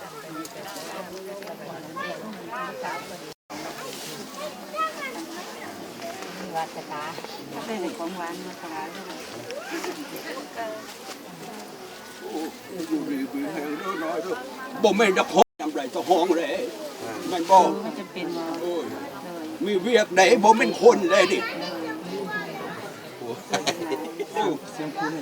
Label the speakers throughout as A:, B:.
A: วัดกระตาได้ในของหวานมาถวายด้วย
B: อยู่ดีมีแหงน้อยๆด้วยบ่ไม่จะห้องจำไรจะห้องเลยมันบอก
A: มันจะเป็น
B: มีเวียกไหนบ่เป็นคนเลยดิ
C: เสียงคุณ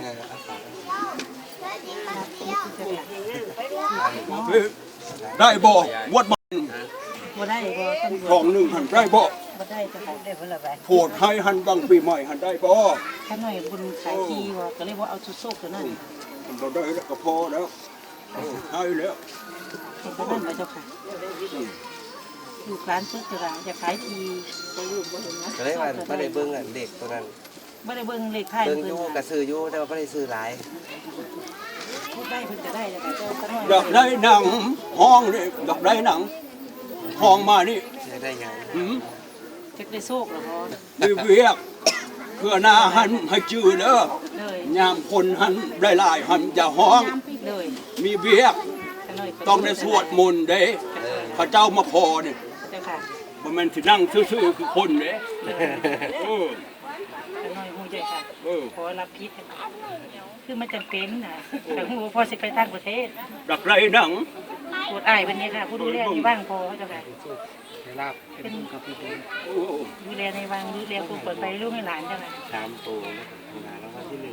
B: ได้บ่วัดบ้าน
A: บ่ได้บ่
B: ของหนึ่งหันได้บ่
A: ได้จะได้เพิ่นละไป
B: โผดให้หันบางปีใหม่หันได้บ่
A: ข้าหน่อยบุญขายทีว่าก็เลยว่าเอาชุดโซกตัวนั้น
B: เราได้แล้วก็พอแล้วให้แล้ว
A: เห็นตัวนั้นไหมเจ้าค่ะอยู่ร้านชุดตัวจะขายทีก็อยู่บ่เห็นนะ
C: ก็เลยว่าไม่ได้เบิ่งเด็กตัวนั้น
A: ไม่ได้เบิ่งเลขไทย
C: เบิ่งอยู่กระซื้ออยู่แต่ว่าไม่ได้ซื้อหลาย
A: พูดได้เพิ่นจะได้แต่ก็ข้าหน่อย
B: อยากได้หนังห้องนี่อยากได้หนังห้องมานี่
C: จะได้ไง
A: จะได้โชคหรอพ่อ
B: มีเวียกเพื่อหน้าหันให้จืดเด้อยามคนหันได้หลายหันอย่าห้องมีเวียกต้องได้สวดมนต์เด้พระเจ้ามาพอเนี่ยบ่แม่นสินั่งซื่อๆคือคนเด้
A: น้อยหูใจค่ะขอรับพิษคือมันจำเป็นนะแต่หูพอสิไปต่างประเทศ
B: ดักไรหนัง
A: ปวดอ้ายวันนี้ค่ะผู้ดูแลที่บ้างพอเจ้าค่ะเป็นดูแลในวังดูแลผู้เปิดไปลูกให้หลานเจ้าค่ะ
C: 3ตัวหลานแล้ววันที่1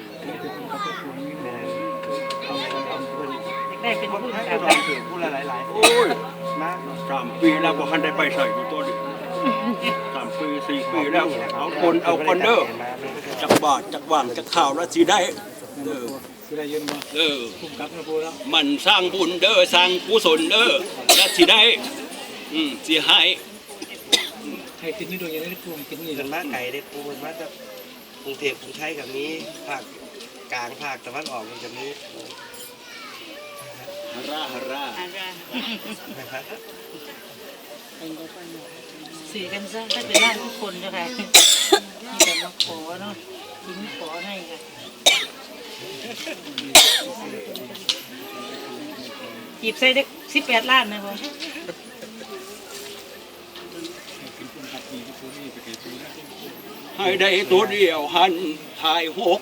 A: ได้เป็นผู้จัดการ
C: ผู้หลายๆ
B: โอ้ยมา3 ปีแล้วบ่ทันได้ไปใส่อยู่ตัวนี้3 ปี 4 ปีแล้วเอาคนเด้อจักบาทจักว่างจักข่าวแล้วสิได้
C: สิได้ยืนบ่คุ้มกับนะปู่แล้ว
B: มันสร้างบุญเด้อสร้างกุศลเด้อแล้วสิได้สิให้
C: ติดนี่โดยยังได้ปู่ติดนี่กันมาไกลได้ปู่มันมาจากกรุงเทพกรุงไทยกับนี้ภาคกลางภาคตะวันออกมันจะมี
B: ฮารา
A: สื่อกันซะถ้าเป็นร่างทุกคนเจ้าค่ะมีแต่มาขอเนาะทิ้งขอให้ค่ะจีบใส่ได้18 ล้านนะพ่อ
B: ให้ได้ตัวเดียวหันทาย6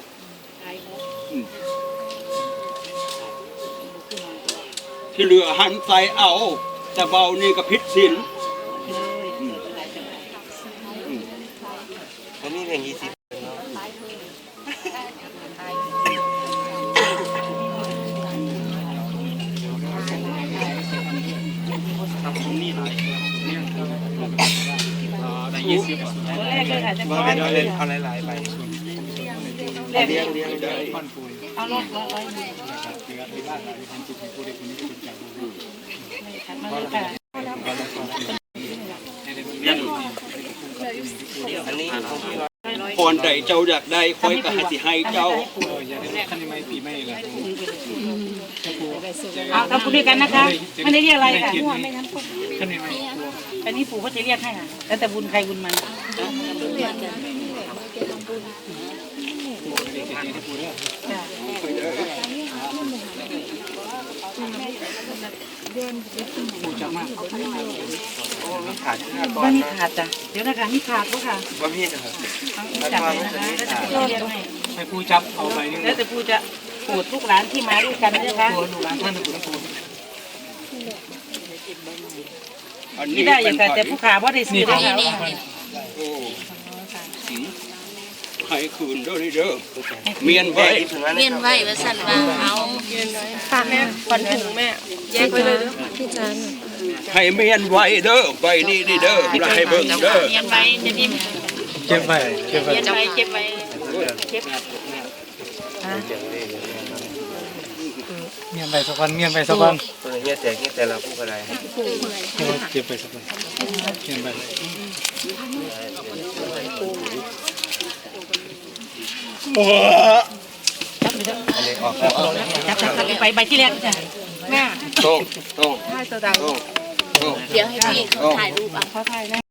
B: ที่เหลือหันใส่เอาแต่เบานี่ก็ผิดศีล
C: เขามีเพียง20
A: เอาห
C: ลายๆไปเลี้ยงได้
A: เอาลด
C: อันนี้
B: พรใดเจ้าอยากได้ค่อยก็ให้สิให้เจ้า
A: เอาทำบุญด้วยกันนะคะไม่ได้เรียกอะไรค่ะอันนี้ปู่เขาจะเรียกให้ค่ะแล้วแต่บุญใครบุญมันว่านี่ขาดจ้ะเดี๋ยวนะคะนี่ขาดก็ค่ะ
C: ว่าพี่จะ
A: จับเลยนะคะแล้วจะเรียก
C: ให้ผู้จับเอาไปนี่
A: แล้วแต่ผู้จะโปรดทุกร้านที่มาด้วยกันนะคะ
C: ลูกหลานท่านผู้ผู้
A: นี่ได้อย่างแต่ผู้ขาว่าได้ซื้อได้แล้ว
B: ให้คืนด้วยเด้อเมียนไว้
D: ว่าสั่นว่าเอาฝากแม่ขวัญถุงแม่แยกไปเลยพี่จัน
B: ให้เมียนไว้เด้อไว้นี่เด้อให้เบิ่งเด้อ
D: เมียนไว้จะนิ่ม
C: เก็บไว้
D: เก็บไว้เก็บ
C: เมียนไปสักวันเมียนไปสักวันเงี้ยแต่เราพูดอะไรเก็บไปสักวันเมียนไป
B: โอ้
A: จับไปใบที่แรกจ้ะแม่
B: โต้
D: เดี๋ยวให้พี่ถ่ายรูปอ่ะ
A: เขาถ่ายนะ